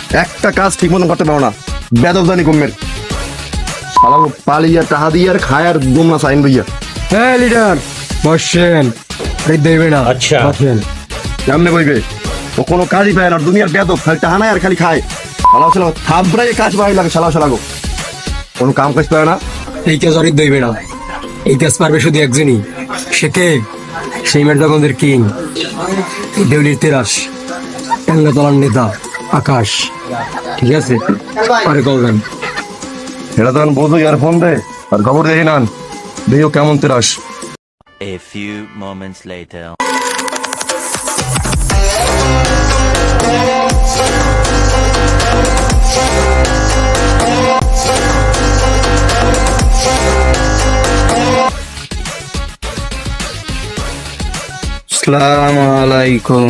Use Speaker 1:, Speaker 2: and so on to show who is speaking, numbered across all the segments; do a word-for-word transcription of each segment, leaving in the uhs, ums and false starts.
Speaker 1: একটা কাজ ঠিক মতন করতে পারো না, বেদবদানি কমের শালা পালিয়া টাহা দিয়ে আর খায় আর দুম না সাইন লইয়া।
Speaker 2: হ্যাঁ লিডার বসেন, দেবে না।
Speaker 3: আচ্ছা।
Speaker 2: বসেন।
Speaker 1: কেমনে বইবে? ও কোনো কাজই পায় না, দুনিয়ার বেদব, খালি টাহা নাই আর খালি খায়। শালা শালা থাবড়াই কাজ পাই লাগে, শালা শালা গো কোনো কাম কাজ পায় না।
Speaker 2: এই কাজ অরিত দইবে না, এই কাজ পারবে শুধু একজনই। সে কে? সেই মেরদাগঞ্জের কিং, দেউলির তেরাস, টাঙ্গাতলার নেতা আকাশ। ঠিক আছে, পরে কলবেন।
Speaker 1: এটা তখন বোঝো আর ফোন দে আর খবর দেখি নান, দেখিও কেমন তেরাস।
Speaker 4: A few moments later.
Speaker 2: আসসালামু আলাইকুম।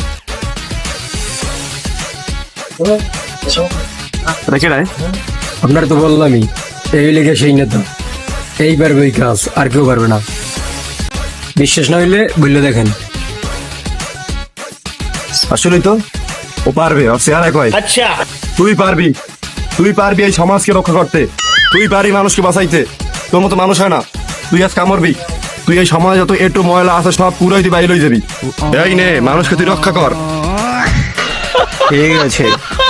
Speaker 1: রেখে রায়
Speaker 2: আপনার তো বললামই, এই লেগে সেই নেতা, এই পারবে এই কাজ, আর কেউ পারবে না। বিশ্বাস না হইলে বললে দেখেন।
Speaker 1: আসলেই তো ও পারবে, আর চেহারা কয়
Speaker 3: अच्छा
Speaker 1: তুই পারবি, তুই পারবি এই সমাজকে রক্ষা করতে, তুই পারবি মানুষকে বাঁচাইতে। তোর মতো মানুষ হয় না, তুই আজ কামড়বি, তুই এই সমাজ যত একটু ময়লা আছে সব পুরাই তুই বাইরে লই যাবি। এই নে মানুষকে তুই রক্ষা কর।
Speaker 2: ঠিক আছে।